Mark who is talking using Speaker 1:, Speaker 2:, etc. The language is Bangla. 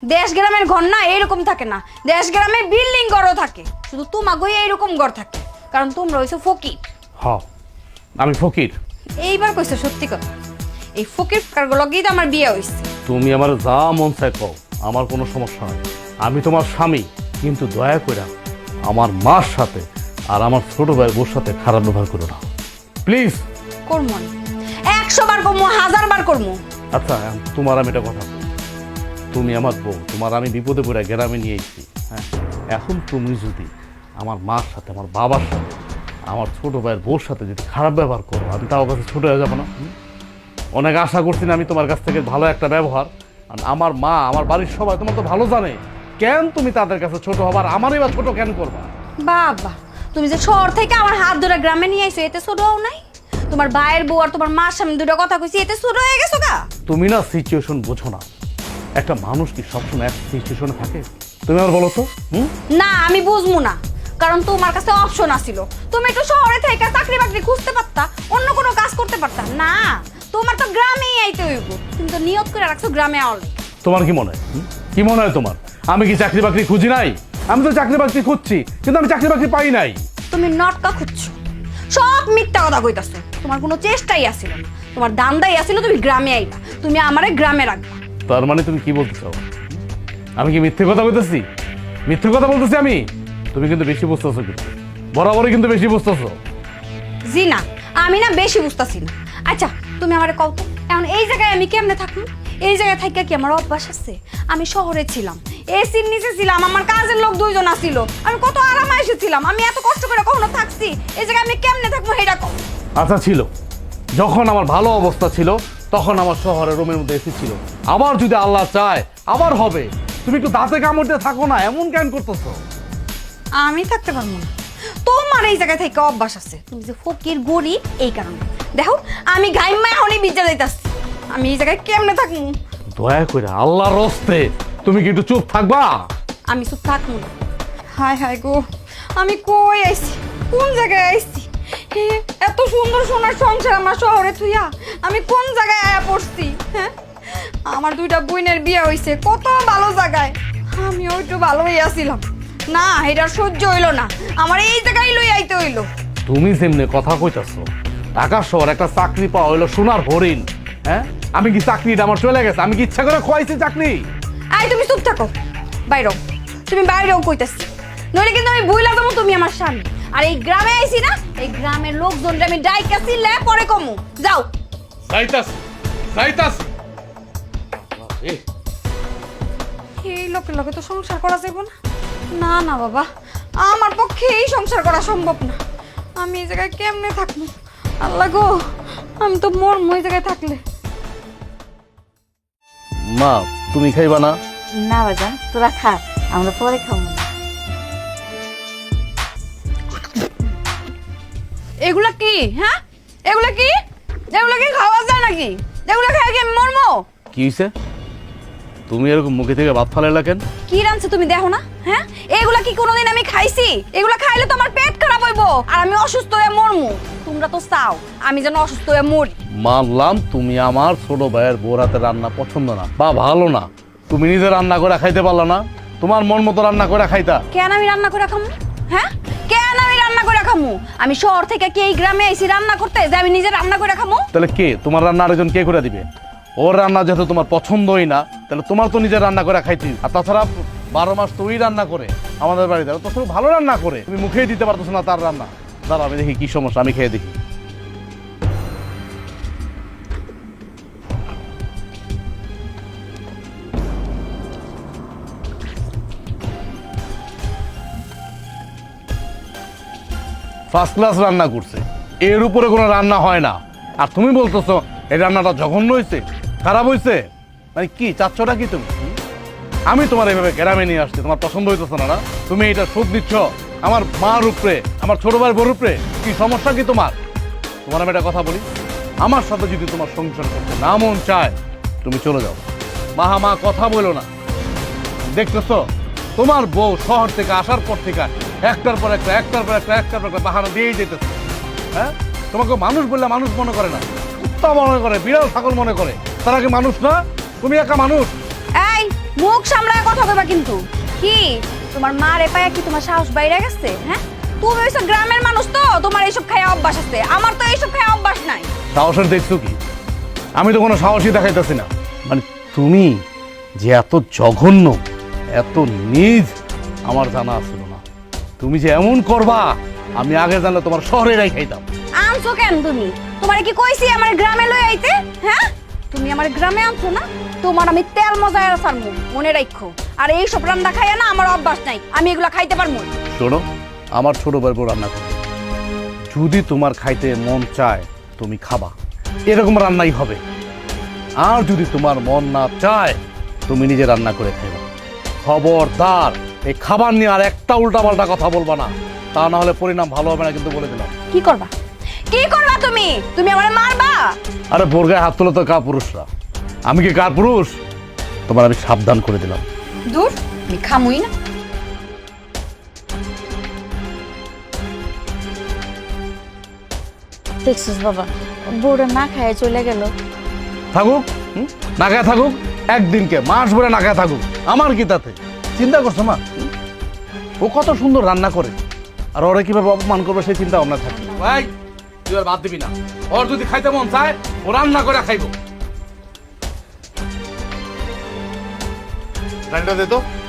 Speaker 1: দেশ গ্রামের ঘর না এইরকম থাকে না, দেশ গ্রামে বিল্ডিং ঘরও থাকে, শুধু তোমাগোই এইরকম ঘর থাকে, কারণ তোমরা হইছো ফকির।
Speaker 2: হ, আমি ফকির।
Speaker 1: এইবার কইছো সত্যি কথা, এই ফকির কারগুলোকেই তো আমার বিয়ে হইছে।
Speaker 2: তুমি আমার যা মন চায় কও, আমার কোনো সমস্যা নাই। আমি তোমার স্বামী, কিন্তু দয়া করে আমার মার সাথে আর আমার ছোট ভাইয়ের বউর সাথে খারাপ ব্যবহার করো না, প্লিজ।
Speaker 1: করবো না, 100 বার করবো, 1000 বার করবো।
Speaker 2: আচ্ছা, তোমার আমি এটা কথা বলি, তুমি আমার বউ, তোমার আমি বিপদে পড়ে গ্রামে নিয়ে এসেছি, হ্যাঁ। এখন তুমি যদি আমার মার সাথে, আমার বাবার সাথে, আমার ছোট ভাইয়ের বউর সাথে যদি খারাপ ব্যবহার করো, আমি তাও কাছে ছোট হয়ে যাবো না? অনেক আশা করছি না আমি তোমার কাছ থেকে ভালো একটা ব্যবহার। আর আমার মা, আমার বাড়ির সবাই তোমার তো ভালো জানে, কেন তুমি তাদের কাছে ছোট হবার, আমারই বা ছোট কেন করবা?
Speaker 1: বাবা, তুমি যে শহর থেকে আমার হাত ধরে গ্রামে নিয়ে আইছো, এতে ছোট হও নাই? তোমার ভাইয়ের বউ আর তোমার মার সামনে দুটো কথা কইছি, এতে ছোট হয়ে গেছো গা?
Speaker 2: তুমি না সিচুয়েশন বোঝো না। একটা মানুষ কি সবসময় এক সিচুয়েশনে থাকে? তুমি আমার বলো তো।
Speaker 1: না, আমি বুঝবো না, কারণ তোমার কাছে অপশন আছিল। তুমি একটু শহরে থেকে চাকরি বাকরি খুঁজতে পারতা, অন্য কোনো কাজ করতে পারতা না। তোমার তো গ্রামেই আইতে হইব, তুমি তো নিয়ত করে রাখছো গ্রামে আওয়ালে।
Speaker 2: তোমার কি মনে হয়, কি মনে হয় তোমার আমি কি চাকরি বাকরি খুঁজি নাই? আমি তো চাকরি বাকরি খুঁজছি, কিন্তু আমি চাকরি বাকরি পাই নাই।
Speaker 1: তুমি নটকা খুঁজছো, সব মিথ্যা কথা কইতাছো। তোমার কোনো চেষ্টাই আসিল না, তোমার দান্দাই আসিল তুমি গ্রামে আইবা, তুমি আমারে গ্রামে রাখবা।
Speaker 2: তার মানে তুমি কি বলতে চাও? আমি কি মিথ্যে কথা বলতেছি? মিথ্যে কথা বলতেছি আমি? তুমি কিন্তু বেশি বুঝতেছো, কিন্তু বরাবরই কিন্তু বেশি বুঝতেছো।
Speaker 1: জি না, আমি না বেশি বুঝতাছি না। আচ্ছা, তুমি আমারে কও তো, এখন এই জায়গায় আমি কেমনে থাকবো? এই জায়গায় থাকা কি আমার অভ্যাস আছে? আমি শহরে ছিলাম, এসির নিচে ছিলাম, আমার কাজের লোক 2 জন আসিল, আমি কত আরামে এসেছিলাম। আমি এত কষ্ট করে কখনো থাকছি? এই জায়গায় আমি কেমনে থাকবো সেটা কও।
Speaker 2: আচ্ছা, ছিল, যখন আমার ভালো অবস্থা ছিল তখন আমার শহরের রুমের মধ্যে এসি ছিল। আবার যদি আল্লাহ চায় আবার হবে। তুমি একটু দাঁতে কামড় দিয়ে থাকো না, এমন কেন করতেছো?
Speaker 1: আমি থাকতে পারবো না, তোমার এই জায়গায় থেকে অভ্যাস আছে। তুমি যে ফকির গরিব, এই কারণে। দেখো, আমি গাইমা এখনই বিদ্যা যাইতাছি, আমি এই জায়গায় কেমনে থাকবো?
Speaker 2: দয়া করে আল্লাহর রস্তে তুমি কি একটু চুপ থাকবা?
Speaker 1: আমি চুপ থাকবো না। হায় হায় গো, আমি কই আইছি, কোন জায়গায় আইছি? হে, এত সুন্দর সোনার সংসার আমার শহরে থুইয়া আমি কোন জায়গায় আয়া পড়ছি? হ্যাঁ, আমার 2টা বোনের বিয়ে হইছে কত ভালো জায়গায়, আমিও একটু ভালোই আছিলাম না। এটা সহ্য হইলো না, আমার এই জায়গায় লই আইতে হইলো।
Speaker 2: তুমি যেমনি কথা কইতাছো, ঢাকা শহর একটা চাকরি পাওয়া হইলো সোনার হরিণ। হ্যাঁ, আমি কি চাকরিটা আমার চলে গেছে? আমি কি ইচ্ছা করে খোয়াইছি চাকরি?
Speaker 1: আই, তুমি চুপ থাকো, বাইরেও। তুমি বাইরেও কইতাছি, নইলে কিন্তু আমি বুইলা যাবো তুমি আমার স্বামী। আর এই গ্রামে আইছি না, এই গ্রামের লোকজনরা আমি ডাইকা চিল্লে পরে কমু। যাও।
Speaker 2: যাইতাছি, যাইতাছি।
Speaker 1: এই লোকের লোকে তো সংসার করা যাবে না। না না বাবা, আমার পক্ষে এই সংসার করা সম্ভব না। আমি এই জায়গায় কেমনে থাকবো? আল্লাহ গো, আমি তো মরমু এই জায়গায় থাকলে।
Speaker 2: মা, তুমি খাইবা না?
Speaker 3: না বাজান, তোরা খা, আমরা পরে খাবো।
Speaker 1: এগুলা কি? হ্যাঁ, এগুলা কি? এগুলা কি খাওয়া যায় নাকি? এগুলা খাই কি আমি মরমো?
Speaker 2: কি হইছে? তুমি এরকম মুখে থেকে ভাত ফালাইলা কেন?
Speaker 1: কি রাঁধছে তুমি দেখো না? হ্যাঁ, এগুলা কি কোনোদিন আমি খাইছি? এগুলা খাইলে তো আমার পেট খারাপ হইবো আর আমি অসুস্থ হয়ে মরমু। তোমরা তো চাও আমি যেন অসুস্থ হয়ে মরি।
Speaker 2: মানলাম তুমি আমার ছোট ভাইয়ের বউর হাতের রান্না পছন্দ না বা ভালো না, তুমি নিজে রান্না করে খাইতে পারলা না? তোমার মন মতো রান্না করে খাইতা।
Speaker 1: কেন আমি রান্না করে খামু? হ্যাঁ, কেন আমি রান্না করে খামু? আমি শহর থেকে কি এই গ্রামে আইছি রান্না করতে যে আমি নিজে রান্না করে খামু?
Speaker 2: তাহলে কে তোমার রান্না আরেকজন কে করে দিবে? ওর রান্না যেহেতু তোমার পছন্দই না, তাহলে তোমার তো নিজের রান্না করে খাইতে। আর তাছাড়া 12 মাস তুই রান্না করে আমাদের বাড়িতে, তাছাড়া ভালো রান্না করে, তুমি মুখেই দিতে পারতেছো না তার রান্না। দাঁড়া, আমি দেখি কি সমস্যা, আমি খেয়ে দেখি। ফার্স্ট ক্লাস রান্না করছে, এর উপরে কোনো রান্না হয় না। আর তুমি বলতেছো এই রান্নাটা জঘন্য হয়েছে, খারাপ হয়েছে? মানে কি চাচ্ছটা কি তুমি? আমি তোমার এইভাবে গ্রামে নিয়ে আসছি, তোমার পছন্দ হইতেছে না? তুমি এটা শোধ দিচ্ছ আমার মার উপরে, আমার ছোট ভাইয়ের বউর উপরে। কি সমস্যা কি তোমার? তোমার আমি একটা কথা বলি, আমার সাথে যদি তোমার সংসার করতে না মন চায়, তুমি চলে যাও। মা কথা বলো না। দেখতেছো তোমার বউ শহর থেকে আসার পর থেকে একটার পর একটা বাহানা দিয়েই যেতেছে। হ্যাঁ, তোমাকে মানুষ বললে মানুষ মনে করে না, কুত্তা মনে করে, বিড়াল ছাগল মনে করে। তারা কি মানুষ না? তুমি একা মানুষ।
Speaker 1: এই, মুখ সামলায় কিন্তু কি তোমার মা রে পায়া কি তোমার সাহস বাইরে গেছে? হ্যাঁ, তুমি ওইসব গ্রামের মানুষ তো, তোমার এইসব খায় অভ্যাস আছে, আমার তো এইসব খায় অভ্যাস নাই।
Speaker 2: সাহসের দেখছো কি? আমি তো কোনো সাহসই দেখাইতেছি না। মানে তুমি যে এত জঘন্য, এত নীচ, আমার জানা ছিল না। তুমি যে এমন করবা আমি আগে জানলে তোমার শহরে খাইতাম।
Speaker 1: আনছো কেন তুমি? তোমারে কি কইছি আমার গ্রামে লই আইতে? হ্যাঁ, তুমি আমার গ্রামে আনছো না, তোমার আমি তেল মজায় ছাড়মু, মনে রাখো। আর এই সব রান্না খাইয়া না আমার অভ্যাস নাই, আমি এগুলা খাইতে পারবো না।
Speaker 2: শোনো, আমার ছোট ভাই বউ রান্না করে, যদি তোমার খাইতে মন চায় তুমি খাবা, এরকম রান্নাই হবে। আর যদি তোমার মন না চায় তুমি নিজে রান্না করে খাইবা। খবরদার এই খাবার নিয়ে আর একটা উল্টাপাল্টা কথা বলবা না, তা না হলে পরিণাম ভালো হবে না, কিন্তু বলে দিলাম।
Speaker 1: কি করবা? কি করবা তুমি? তুমি আমারে মারবা?
Speaker 2: আরে বোরগায় হাত তোলো তো কা পুরুষরা, আমি কি কার পুরুষ? তোমার আমি সাবধান করে দিলাম।
Speaker 1: দূর, আমি খামুই না।
Speaker 3: দেখছিস বাবা, বউটা না খায় চলে গেল।
Speaker 2: থাকুক, না খায় থাকুক, একদিনকে মাস ভরে না খায় থাকুক, আমার কি তাতে? চিন্তা করছো মা? ও কত সুন্দর রান্না করে, আর ওরা কিভাবে অপমান করবে সেই চিন্তা ভাবনা থাকে। ভাই তুই আর বাদ দিবি না, ওর যদি খাইতে মন চায় ও রান্না করে খাইব। দে তো।